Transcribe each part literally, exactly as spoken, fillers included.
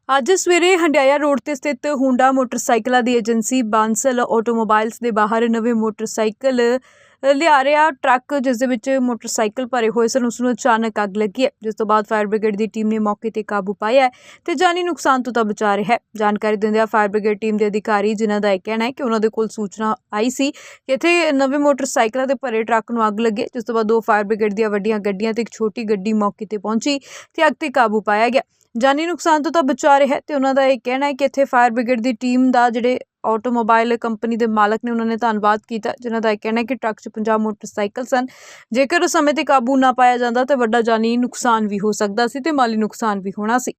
ਅੱਜ ਸਵੇਰੇ ਹੰਡਿਆਇਆ ਰੋਡ ਤੇ ਸਥਿਤ ਹੁੰਡਾ ਮੋਟਰਸਾਈਕਲਾਂ ਦੀ ਏਜੰਸੀ ਬਾਂਸਲ ਆਟੋਮੋਬਾਈਲਸ ਦੇ ਬਾਹਰ ਨਵੇਂ ਮੋਟਰਸਾਈਕਲ ਲਿਆ ਰਿਹਾ ਟਰੱਕ ਜਿਸ ਦੇ ਵਿੱਚ ਮੋਟਰਸਾਈਕਲ ਭਰੇ ਹੋਏ ਸਨ ਉਸ ਨੂੰ ਅਚਾਨਕ ਅੱਗ ਲੱਗੀ ਹੈ, ਜਿਸ ਤੋਂ ਬਾਅਦ ਫਾਇਰ ਬ੍ਰਿਗੇਡ ਦੀ ਟੀਮ ਨੇ ਮੌਕੇ ਤੇ ਕਾਬੂ ਪਾਇਆ ਹੈ ਤੇ ਜਾਨੀ ਨੁਕਸਾਨ ਤੋਂ ਤਾਂ ਬਚਾ ਰਿਹਾ ਹੈ। ਜਾਣਕਾਰੀ ਦਿੰਦਿਆਂ ਫਾਇਰ ਬ੍ਰਿਗੇਡ ਟੀਮ ਦੇ ਅਧਿਕਾਰੀ ਜਿਨ੍ਹਾਂ ਦਾ ਇਹ ਕਹਿਣਾ ਹੈ ਕਿ ਉਹਨਾਂ ਦੇ ਕੋਲ ਸੂਚਨਾ ਆਈ ਸੀ ਕਿ ਇੱਥੇ ਨਵੇਂ ਮੋਟਰਸਾਈਕਲਾਂ ਦੇ ਭਰੇ ਟਰੱਕ ਨੂੰ ਅੱਗ ਲੱਗੇ, ਜਿਸ ਤੋਂ ਬਾਅਦ ਦੋ ਫਾਇਰ ਬ੍ਰਿਗੇਡ ਦੀਆਂ ਵੱਡੀਆਂ ਗੱਡੀਆਂ ਤੇ ਇੱਕ ਛੋਟੀ ਗੱਡੀ ਮੌਕੇ ਤੇ ਪਹੁੰਚੀ ਤੇ ਅੱਗ ਤੇ ਕਾਬੂ ਪਾਇਆ ਗਿਆ। ਜਾਨੀ ਨੁਕਸਾਨ ਤੋਂ ਤਾਂ ਬਚਾ ਰਿਹਾ ਹੈ ਤੇ ਉਹਨਾਂ ਦਾ ਇਹ ਕਹਿਣਾ ਹੈ ਕਿ ਇੱਥੇ ਫਾਇਰ ਬ੍ਰਿਗੇਡ ਦੀ ਟੀਮ ਦਾ ਜਿਹੜੇ ਆਟੋਮੋਬਾਈਲ ਕੰਪਨੀ ਦੇ ਮਾਲਕ ਨੇ ਉਹਨਾਂ ਨੇ ਧੰਨਵਾਦ ਕੀਤਾ, ਜਿਨ੍ਹਾਂ ਦਾ ਇਹ ਕਹਿਣਾ ਹੈ ਕਿ ਟਰੱਕ 'ਚ ਪੰਜਾਹ ਮੋਟਰਸਾਈਕਲ ਸਨ। ਜੇਕਰ ਉਸ ਸਮੇਂ ਤੇ ਕਾਬੂ ਨਾ ਪਾਇਆ ਜਾਂਦਾ ਤਾਂ ਵੱਡਾ ਜਾਨੀ ਨੁਕਸਾਨ ਵੀ ਹੋ ਸਕਦਾ ਸੀ ਤੇ ਮਾਲੀ ਨੁਕਸਾਨ ਵੀ ਹੋਣਾ ਸੀ।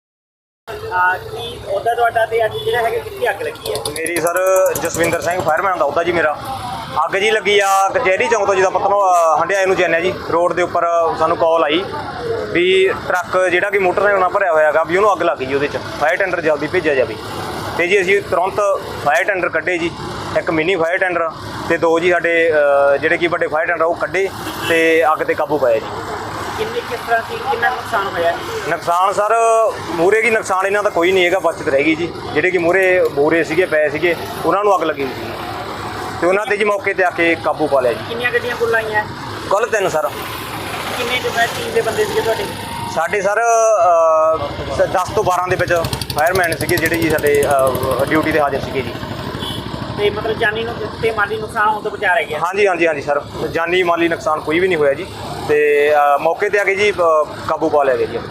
ਕੀ ਉਹਦਾ ਤੁਹਾਡਾ ਤੇ ਅੱਜ ਜਿਹੜਾ ਹੈਗਾ ਕਿੱਥੇ ਅੱਗ ਲੱਗੀ ਹੈ? ਮੇਰੀ ਸਰ ਜਸਵਿੰਦਰ ਸਿੰਘ ਫਾਇਰਮੈਨ ਦਾ ਉਹਦਾ ਜੀ ਮੇਰਾ ਅੱਗ ਜੀ ਲੱਗੀ ਆ ਕਚਹਿਰੀ ਚੌਂਕ ਤੋਂ, ਜਿਹਦਾ ਪਤਨ ਹੰਡਿਆਏ ਨੂੰ ਜਾਂਦੇ ਜੀ ਰੋਡ ਦੇ ਉੱਪਰ ਸਾਨੂੰ ਕਾਲ ਆਈ ਵੀ ਟਰੱਕ ਜਿਹੜਾ ਕਿ ਮੋਟਰਸਾਈਕਲ ਨਾਲ ਭਰਿਆ ਹੋਇਆ ਹੈਗਾ ਵੀ ਉਹਨੂੰ ਅੱਗ ਲੱਗ ਗਈ, ਉਹਦੇ 'ਚ ਫਾਇਰ ਟੈਂਡਰ ਜਲਦੀ ਭੇਜਿਆ ਜਾਵੇ। ਅਤੇ ਜੀ ਅਸੀਂ ਤੁਰੰਤ ਫਾਇਰ ਟੈਂਡਰ ਕੱਢੇ ਜੀ, ਇੱਕ ਮਿੰਨੀ ਫਾਇਰ ਟੈਂਡਰ ਅਤੇ ਦੋ ਜੀ ਸਾਡੇ ਜਿਹੜੇ ਕਿ ਵੱਡੇ ਫਾਇਰ ਟੈਂਡਰ ਉਹ ਕੱਢੇ ਅਤੇ ਅੱਗ 'ਤੇ ਕਾਬੂ ਪਾਇਆ ਜੀ। ਕਿੰਨੇ ਕਿਸ ਤਰ੍ਹਾਂ ਸੀ, ਕਿੰਨਾ ਨੁਕਸਾਨ ਹੋਇਆ? ਨੁਕਸਾਨ ਸਰ ਮੂਹਰੇ ਕੀ ਨੁਕਸਾਨ ਇਹਨਾਂ ਦਾ ਕੋਈ ਨਹੀਂ ਹੈਗਾ, ਬਚਤ ਰਹਿ ਗਈ ਜੀ। ਜਿਹੜੇ ਕਿ ਮੂਹਰੇ ਬੋਰੇ ਸੀਗੇ ਪਏ ਸੀਗੇ ਉਹਨਾਂ ਨੂੰ ਅੱਗ ਲੱਗੀ ਸੀ ਅਤੇ ਉਹਨਾਂ 'ਤੇ ਜੀ ਮੌਕੇ 'ਤੇ ਆ ਕੇ ਕਾਬੂ ਪਾ ਲਿਆ ਜੀ। ਕਿੰਨੀਆਂ ਗੱਡੀਆਂ ਕੁੱਲ ਆਈਆਂ? ਕੱਲ੍ਹ ਤਿੰਨ ਸਰ। ਕਿੰਨੇ ਜੋ ਹੈ ਟੀਮ ਦੇ ਬੰਦੇ ਸੀਗੇ ਤੁਹਾਡੇ? ਸਾਡੇ ਸਰ ਦਸ ਤੋਂ ਬਾਰਾਂ ਦੇ ਵਿੱਚ ਫਾਇਰਮੈਨ ਸੀਗੇ ਜਿਹੜੇ ਜੀ ਸਾਡੇ ਡਿਊਟੀ 'ਤੇ ਹਾਜ਼ਰ ਸੀਗੇ ਜੀ। ਅਤੇ ਮਤਲਬ ਜਾਨੀ ਨੂੰ ਤੇ ਮਾਲੀ ਨੁਕਸਾਨ ਹੋਣ ਤੋਂ ਬਚਾ ਰਹਿ ਗਿਆ? ਹਾਂਜੀ ਹਾਂਜੀ ਹਾਂਜੀ ਸਰ, ਜਾਨੀ ਮਾਲੀ ਨੁਕਸਾਨ ਕੋਈ ਵੀ ਨਹੀਂ ਹੋਇਆ ਜੀ ਅਤੇ ਮੌਕੇ 'ਤੇ ਆ ਕੇ ਜੀ ਕਾਬੂ ਪਾ ਲਿਆ ਗਿਆ ਜੀ।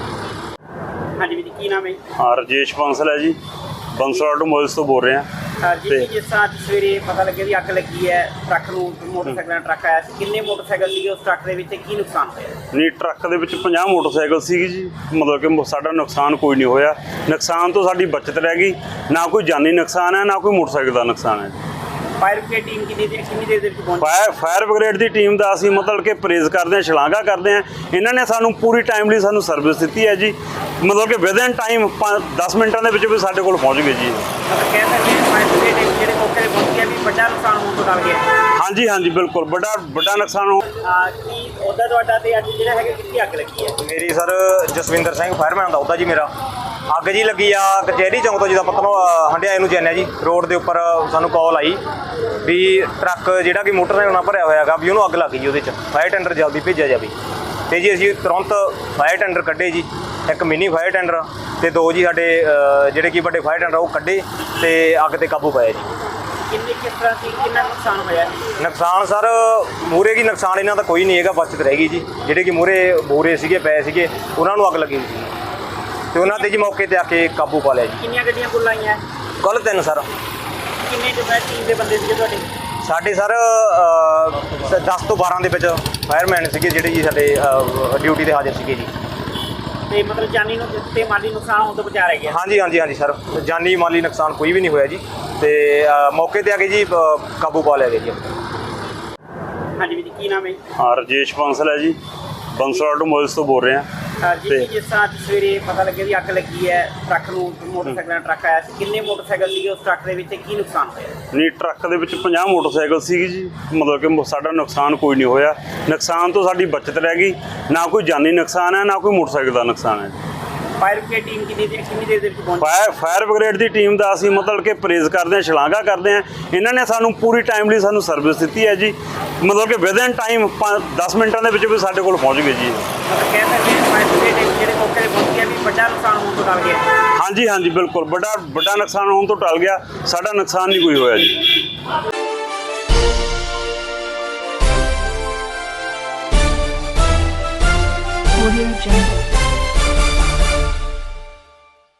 ਹਾਂਜੀ ਵੀਰ, ਕੀ ਨਾਮ ਹੈ? ਹਾਂ, ਰਜੇਸ਼ ਬਾਂਸਲ ਹੈ ਜੀ, ਬਾਂਸਲ ਆਟੋਮੋਬਾਈਲਸ ਤੋਂ ਬੋਲ ਰਹੇ ਹਾਂ। ਸਰ ਜੀ, ਜਿਸ ਤਰ੍ਹਾਂ ਅੱਜ ਸਵੇਰੇ ਪਤਾ ਲੱਗਿਆ ਵੀ ਅੱਗ ਲੱਗੀ ਹੈ ਟਰੱਕ ਨੂੰ, ਮੋਟਰਸਾਈਕਲ ਦਾ ਟਰੱਕ ਆਇਆ ਸੀ, ਕਿੰਨੇ ਮੋਟਰਸਾਈਕਲ ਸੀਗੇ ਉਸ ਟਰੱਕ ਦੇ ਵਿੱਚ, ਕੀ ਨੁਕਸਾਨ ਹੋਇਆ? ਨਹੀਂ, ਟਰੱਕ ਦੇ ਵਿੱਚ ਪੰਜਾਹ ਮੋਟਰਸਾਈਕਲ ਸੀਗੇ ਜੀ, ਮਤਲਬ ਕਿ ਸਾਡਾ ਨੁਕਸਾਨ ਕੋਈ ਨਹੀਂ ਹੋਇਆ। ਨੁਕਸਾਨ ਤੋਂ ਸਾਡੀ ਬਚਤ ਰਹਿ ਗਈ, ਨਾ ਕੋਈ ਜਾਨੀ ਨੁਕਸਾਨ ਹੈ ਨਾ ਕੋਈ ਮੋਟਰਸਾਈਕਲ ਦਾ ਨੁਕਸਾਨ ਹੈ। ਫਾਇਰ ਬ੍ਰਿਗੇਡ ਟੀਮ ਕਿੰਨੀ ਦੇਰ ਕਿੰਨੀ ਦੇਰ ਦੇ ਵਿੱਚ ਪਹੁੰਚੀ? ਫਾਇਰ ਫਾਇਰ ਬ੍ਰਿਗੇਡ ਦੀ ਟੀਮ ਦਾ ਅਸੀਂ ਮਤਲਬ ਕਿ ਪ੍ਰੇਜ਼ ਕਰਦੇ ਹਾਂ, ਸ਼ਲਾਘਾ ਕਰਦੇ ਹਾਂ। ਇਹਨਾਂ ਨੇ ਸਾਨੂੰ ਪੂਰੀ ਟਾਈਮਲੀ ਸਾਨੂੰ ਸਰਵਿਸ ਦਿੱਤੀ ਹੈ ਜੀ, ਮਤਲਬ ਕਿ ਵਿਦਨ ਟਾਈਮ ਦਸ ਮਿੰਟਾਂ ਦੇ ਵਿੱਚ ਵੀ ਸਾਡੇ ਕੋਲ ਪਹੁੰਚ ਗਏ ਜੀ। ਮਤਲਬ ਕਹਿ ਸਕਦੇ ਹਾਂ ਫਾਇਰ ਬ੍ਰਿਗੇਡ ਜਿਹੜੇ ਮੌਕੇ 'ਤੇ ਪਹੁੰਚੀ ਹੈ ਵੀ ਵੱਡਾ ਨੁਕਸਾਨ ਹੋਣ ਤੋਂ ਡਰ ਗਿਆ? ਹਾਂਜੀ ਹਾਂਜੀ ਬਿਲਕੁਲ, ਵੱਡਾ ਵੱਡਾ ਨੁਕਸਾਨ ਹੋ। ਕੀ ਉਹਦਾ ਤੁਹਾਡਾ ਤੇ ਅੱਜ ਜਿਹੜਾ ਹੈਗਾ ਕਿੱਥੇ ਅੱਗ ਲੱਗੀ ਹੈ? ਮੇਰੀ ਸਰ ਜਸਵਿੰਦਰ ਸਿੰਘ ਫਾਇਰਮੈਨ ਦਾ ਉਹਦਾ ਜੀ ਮੇਰਾ ਅੱਗ ਜੀ ਲੱਗੀ ਆ ਕਚਹਿਰੀ ਚੌਂਕ ਤੋਂ, ਜਿਹਦਾ ਪਤਨ ਹੰਡਿਆਏ ਨੂੰ ਜਾਂਦੇ ਜੀ ਰੋਡ ਦੇ ਉੱਪਰ ਸਾਨੂੰ ਕਾਲ ਆਈ ਵੀ ਟਰੱਕ ਜਿਹੜਾ ਕਿ ਮੋਟਰਸਾਈਕਲ ਨਾਲ ਭਰਿਆ ਹੋਇਆ ਹੈਗਾ ਵੀ ਉਹਨੂੰ ਅੱਗ ਲੱਗ ਗਈ, ਉਹਦੇ 'ਚ ਫਾਇਰ ਟੈਂਡਰ ਜਲਦੀ ਭੇਜਿਆ ਜਾਵੇ। ਅਤੇ ਜੀ ਅਸੀਂ ਤੁਰੰਤ ਫਾਇਰ ਟੈਂਡਰ ਕੱਢੇ ਜੀ, ਇੱਕ ਮਿੰਨੀ ਫਾਇਰ ਟੈਂਡਰ ਅਤੇ ਦੋ ਜੀ ਸਾਡੇ ਜਿਹੜੇ ਕਿ ਵੱਡੇ ਫਾਇਰ ਟੈਂਡਰ ਉਹ ਕੱਢੇ ਅਤੇ ਅੱਗ 'ਤੇ ਕਾਬੂ ਪਾਇਆ ਜੀ। ਕਿੰਨੇ ਕਿਸ ਤਰ੍ਹਾਂ ਸੀ, ਕਿੰਨਾ ਨੁਕਸਾਨ ਹੋਇਆ? ਨੁਕਸਾਨ ਸਰ ਮੂਹਰੇ ਕੀ ਨੁਕਸਾਨ ਇਹਨਾਂ ਦਾ ਕੋਈ ਨਹੀਂ ਹੈਗਾ, ਬਚਤ ਰਹਿ ਗਈ ਜੀ। ਜਿਹੜੇ ਕਿ ਮੂਹਰੇ ਬੋਰੇ ਸੀਗੇ ਪਏ ਸੀਗੇ ਉਹਨਾਂ ਨੂੰ ਅੱਗ ਲੱਗੀ ਸੀ ਅਤੇ ਉਹਨਾਂ 'ਤੇ ਜੀ ਮੌਕੇ 'ਤੇ ਆ ਕੇ ਕਾਬੂ ਪਾ ਲਿਆ ਜੀ। ਕਿੰਨੀਆਂ ਗੱਡੀਆਂ ਕੁੱਲ ਆਈਆਂ? ਕੱਲ੍ਹ ਤਿੰਨ ਸਰ। ਕਿੰਨੇ ਜੋ ਹੈ ਟੀਮ ਦੇ ਬੰਦੇ ਸੀਗੇ ਤੁਹਾਡੇ? ਸਾਡੇ ਸਰ ਦਸ ਤੋਂ ਬਾਰਾਂ ਦੇ ਵਿੱਚ ਫਾਇਰਮੈਨ ਸੀਗੇ ਜਿਹੜੇ ਜੀ ਸਾਡੇ ਡਿਊਟੀ 'ਤੇ ਹਾਜ਼ਰ ਸੀਗੇ ਜੀ। ਅਤੇ ਮਤਲਬ ਜਾਨੀ ਨੂੰ ਤੇ ਮਾਲੀ ਨੁਕਸਾਨ ਹੋਣ ਤੋਂ ਬਚਾ ਰਹਿ ਗਿਆ? ਹਾਂਜੀ ਹਾਂਜੀ ਹਾਂਜੀ ਸਰ, ਜਾਨੀ ਮਾਲੀ ਨੁਕਸਾਨ ਕੋਈ ਵੀ ਨਹੀਂ ਹੋਇਆ ਜੀ ਅਤੇ ਮੌਕੇ 'ਤੇ ਆ ਕੇ ਜੀ ਕਾਬੂ ਪਾ ਲਿਆ ਗਿਆ ਜੀ। ਹਾਂਜੀ ਵੀਰ, ਕੀ ਨਾਮ ਹੈ? ਹਾਂ, ਰਜੇਸ਼ ਬਾਂਸਲ ਹੈ ਜੀ, ਬਾਂਸਲ ਆਟੋਮੋਬਾਈਲਸ ਤੋਂ ਬੋਲ ਰਹੇ ਹਾਂ। ਸਰ ਜੀ, ਜਿਸ ਤਰ੍ਹਾਂ ਅੱਜ ਸਵੇਰੇ ਪਤਾ ਲੱਗਿਆ ਵੀ ਅੱਗ ਲੱਗੀ ਹੈ ਟਰੱਕ ਨੂੰ, ਮੋਟਰਸਾਈਕਲ ਦਾ ਟਰੱਕ ਆਇਆ ਸੀ, ਕਿੰਨੇ ਮੋਟਰਸਾਈਕਲ ਸੀਗੇ ਉਸ ਟਰੱਕ ਦੇ ਵਿੱਚ, ਕੀ ਨੁਕਸਾਨ ਹੋਇਆ? ਨਹੀਂ, ਟਰੱਕ ਦੇ ਵਿੱਚ ਪੰਜਾਹ ਮੋਟਰਸਾਈਕਲ ਸੀਗੇ ਜੀ, ਮਤਲਬ ਕਿ ਸਾਡਾ ਨੁਕਸਾਨ ਕੋਈ ਨਹੀਂ ਹੋਇਆ। ਨੁਕਸਾਨ ਤੋਂ ਸਾਡੀ ਬਚਤ ਰਹਿ ਗਈ, ਨਾ ਕੋਈ ਜਾਨੀ ਨੁਕਸਾਨ ਹੈ ਨਾ ਕੋਈ ਮੋਟਰਸਾਈਕਲ ਦਾ ਨੁਕਸਾਨ ਹੈ। ਫਾਇਰ ਬ੍ਰਿਗੇਡ ਟੀਮ ਕਿੰਨੀ ਦੇਰ ਕਿੰਨੀ ਦੇਰ ਦੇ ਵਿੱਚ ਪਹੁੰਚੀ? ਫਾਇਰ ਫਾਇਰ ਬ੍ਰਿਗੇਡ ਦੀ ਟੀਮ ਦਾ ਅਸੀਂ ਮਤਲਬ ਕਿ ਪ੍ਰੇਜ਼ ਕਰਦੇ ਹਾਂ, ਸ਼ਲਾਘਾ ਕਰਦੇ ਹਾਂ। ਇਹਨਾਂ ਨੇ ਸਾਨੂੰ ਪੂਰੀ ਟਾਈਮਲੀ ਸਾਨੂੰ ਸਰਵਿਸ ਦਿੱਤੀ ਹੈ ਜੀ, ਮਤਲਬ ਕਿ ਵਿਦਨ ਟਾਈਮ ਦਸ ਮਿੰਟਾਂ ਦੇ ਵਿੱਚ ਵੀ ਸਾਡੇ ਕੋਲ ਪਹੁੰਚ ਗਏ ਜੀ। ਮਤਲਬ ਕਹਿ ਸਕਦੇ ਹਾਂ ਫਾਇਰ ਬ੍ਰਿਗੇਡ ਜਿਹੜੇ ਮੌਕੇ 'ਤੇ ਪਹੁੰਚੀ ਹੈ ਵੀ ਵੱਡਾ ਨੁਕਸਾਨ ਹੋਣ ਤੋਂ ਡਰ ਗਿਆ? ਹਾਂਜੀ ਹਾਂਜੀ ਬਿਲਕੁਲ, ਵੱਡਾ ਵੱਡਾ ਨੁਕਸਾਨ ਹੋਣ ਤੋਂ ਟਲ ਗਿਆ, ਸਾਡਾ ਨੁਕਸਾਨ ਨਹੀਂ ਕੋਈ ਹੋਇਆ ਜੀ।